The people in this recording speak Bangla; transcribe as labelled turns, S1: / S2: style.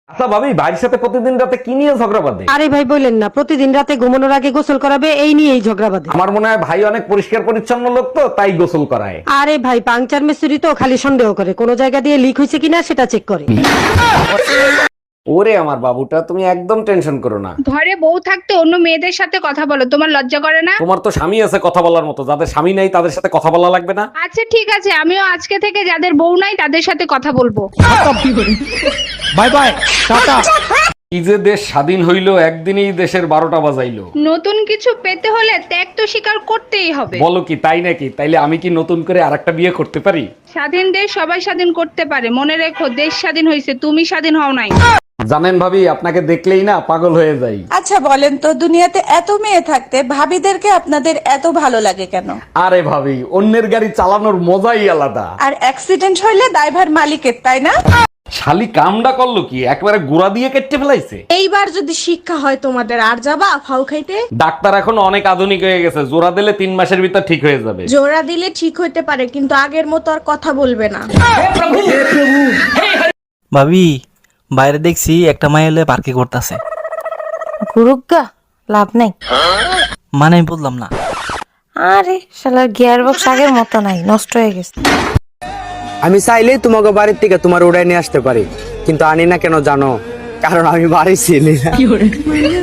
S1: আচ্ছা ভাবি, ভাইয়ের সাথে প্রতিদিন রাতে কি নিয়ে ঝগড়া বাঁধে?
S2: আরে ভাই বললেন না, প্রতিদিন রাতে ঘুমানোর আগে গোসল করাবে, এই নিয়েই ঝগড়া বাঁধে।
S1: আমার মনে হয় ভাই অনেক পরিষ্কার পরিচ্ছন্ন লোক, তো তাই গোসল করায়।
S2: আরে ভাই পাংচার মিস্ত্রি তো খালি সন্দেহ করে, কোন জায়গা দিয়ে লিক হয়েছে কিনা সেটা চেক করে।
S1: ওরে আমার বাবুটা, তুমি একদম টেনশন করো না।
S3: ঘরে বউ থাকতে অন্য মেয়েদের সাথে কথা বলো, তোমার লজ্জা করে না?
S1: তোমার তো স্বামী আছে কথা বলার মতো, যাদের স্বামী নাই তাদের সাথে কথা বলা লাগবে না?
S3: আচ্ছা ঠিক আছে, আমিও আজকে থেকে যাদের বউ নাই তাদের সাথে কথা বলবো।
S1: Bye bye, tata. কি যে দেশ স্বাধীন হইলো, একদিনেই দেশের 12টা বাজাইলো।
S3: নতুন কিছু পেতে হলে ত্যাগ তো স্বীকার করতেই হবে।
S1: বলো কি, তাই নাকি? তাইলে আমি কি নতুন করে আরেকটা বিয়ে করতে পারি?
S3: স্বাধীন দেশ সবাই স্বাধীন করতে পারে, মনে রেখো দেশ স্বাধীন হয়েছে, তুমি স্বাধীন হও নাই।
S1: জানেন ভাবি, আপনাকে দেখলেই না পাগল হয়ে যাই।
S4: আচ্ছা বলেন তো, দুনিয়াতে এত মেয়ে থাকতে ভাবিদেরকে আপনাদের এত ভালো লাগে কেন?
S1: আরে ভাবি, অন্যের গাড়ি চালানোর মজাই আলাদা।
S4: আর অ্যাক্সিডেন্ট হইলে দায়ভার মালিকের, তাই না?
S1: শালি কামডা করলো কি, একবারে গুড়া দিয়ে কেটে ফেলাইছে।
S4: এইবার যদি শিক্ষা হয় তোমাদের, আর যাবা ফাউ খাইতে?
S1: ডাক্তার এখন অনেক আধুনিক হয়ে গেছে, জোড়া দিলে 3 মাসের ভিতর ঠিক হয়ে যাবে।
S4: জোড়া দিলে ঠিক হইতে পারে, কিন্তু আগের মতো আর কথা বলবে না।
S5: ভাবি, বাইরে দেখছি একটা মাই এলে পার্কে করতেছে।
S6: গুরুগা লাভ নাই।
S5: মানে আমি বললাম না।
S6: আরে শালার গিয়ার বক্স আগের মতো নাই, নষ্ট হয়ে গেছে।
S7: আমি চাইলেই তোমাকে বাড়ির থেকে তোমার উড়াই নিয়ে আসতে পারি, কিন্তু আনি না কেন জানো? কারণ আমি বাড়ি ছিলি না।